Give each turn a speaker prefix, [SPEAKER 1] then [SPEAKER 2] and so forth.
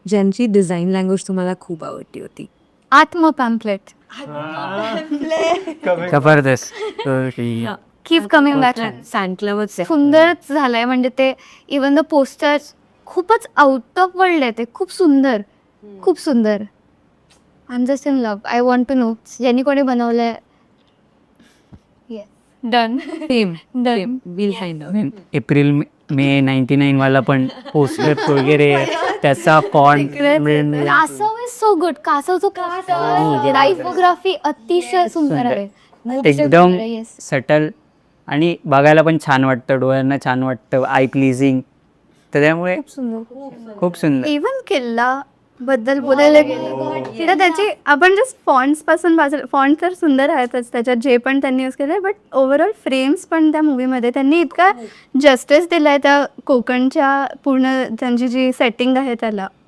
[SPEAKER 1] ज्यांची design language तुम्हाला खूप आवडली होती?
[SPEAKER 2] आत्म पॅम्पलेट.
[SPEAKER 3] जबरदस्त.
[SPEAKER 2] Keep coming back.
[SPEAKER 1] सँटलवच आहे.
[SPEAKER 2] सुंदरच झालंय, म्हणजे ते इवन द पोस्टर्स खूपच आउट ऑफ वर्ल्ड आहे. ते खूप सुंदर, खूप सुंदर. I am just in love. I want to know ज्यांनी कोणी बनवलंय. Done.
[SPEAKER 1] Same
[SPEAKER 2] done.
[SPEAKER 1] Will find out.
[SPEAKER 3] April May 99 वाला पण पोस्टर वगैरे त्याचा font
[SPEAKER 2] Kasav is so good. कासवचं टायपोग्राफी अतिशय सुंदर आहे.
[SPEAKER 3] एकदम
[SPEAKER 2] Yes.
[SPEAKER 3] सटल आणि बघायला पण छान वाटतं, डोळ्यांना छान वाटतं, आय प्लीजिंग. तर त्यामुळे खूप सुंदर.
[SPEAKER 2] इव्हन किल्ला बद्दल बोलायला गेलं तर त्याचे आपण जस्ट फॉन्ट्स पासून फॉन्ट तर सुंदर आहेतच त्याच्यात जे पण त्यांनी यूज केलं, बट ओव्हरऑल फ्रेम्स पण त्या मूवीमध्ये त्यांनी इतका जस्टिस दिलाय त्या कोकणच्या पूर्ण त्यांची जी सेटिंग आहे त्याला.